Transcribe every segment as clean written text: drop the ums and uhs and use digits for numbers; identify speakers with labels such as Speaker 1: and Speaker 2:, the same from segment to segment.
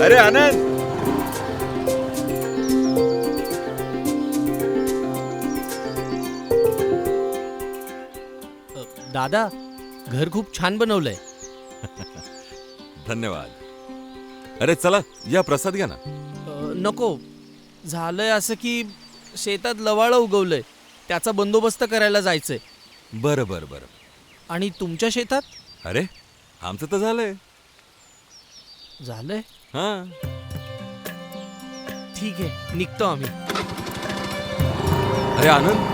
Speaker 1: अरे आनंद,
Speaker 2: दादा, घर खूप छान बनवलंय.
Speaker 1: धन्यवाद. अरे चला या प्रसाद घ्या ना.
Speaker 2: नको, झालंय असं की शेतात लवाळं उगवलंय, त्याचा बंदोबस्त करायला जायचंय.
Speaker 1: बरं बरं बरं.
Speaker 2: आणि तुमच्या शेतात
Speaker 1: अरे आमचं तर झालंय.
Speaker 2: झालंय.
Speaker 1: हा,
Speaker 2: ठीक आहे, निघतो आम्ही.
Speaker 1: अरे आनंद,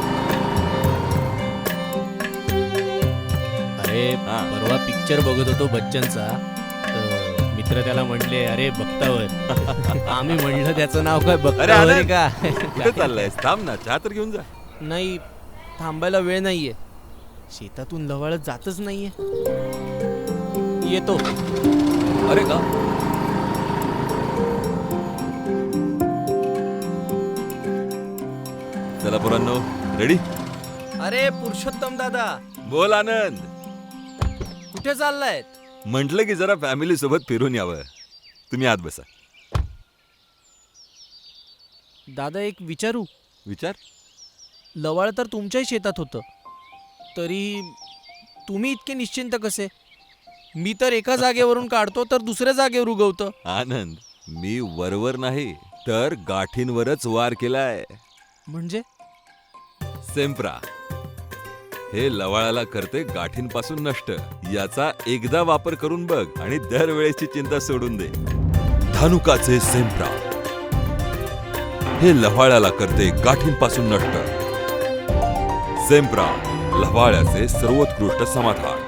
Speaker 2: अरे
Speaker 1: हा.
Speaker 2: परवा पिक्चर बघत होतो बच्चनचा. मित्र त्याला म्हणले, अरे बघतावर. आम्ही म्हणलं त्याचं नाव काय बघतावर आहे
Speaker 1: आनंद,
Speaker 2: का?
Speaker 1: कुठे चाललाय? थांब ना, चहा तर घेऊन जा.
Speaker 2: नाही, थांबायला वेळ नाहीये. शेतातून लवाळत जातच नाहीये. येतो.
Speaker 1: अरे का? चला पोरांनो, रेडी?
Speaker 2: अरे पुरुषोत्तम दादा,
Speaker 1: बोल आनंद.
Speaker 2: कुठे चाललायत?
Speaker 1: म्हटलं की जरा फॅमिली सोबत फिरून यावं. तुम्ही आत बसा.
Speaker 2: दादा एक विचारू?
Speaker 1: विचार.
Speaker 2: लवाळ तर तुमच्याही शेतात होतं, तरी तुम्ही इतके निश्चिंत कसे? मी तर एका जागेवरून काढतो तर दुसऱ्या जागेवर उगवतं.
Speaker 1: आनंद, मी वरवर नाही तर गाठींवरच वार केलाय.
Speaker 2: म्हणजे?
Speaker 1: सेम्प्रा हे लवाळाला करते गाठींपासून नष्ट. याचा एकदा वापर करून बघ आणि दरवेळेची चिंता सोडून दे. धानुकाचे सेम्प्रा हे लव्हाळ्याला करते गाठींपासून नष्ट. सेम्प्रा, लव्हाळ्याचे सर्वोत्कृष्ट समाधान.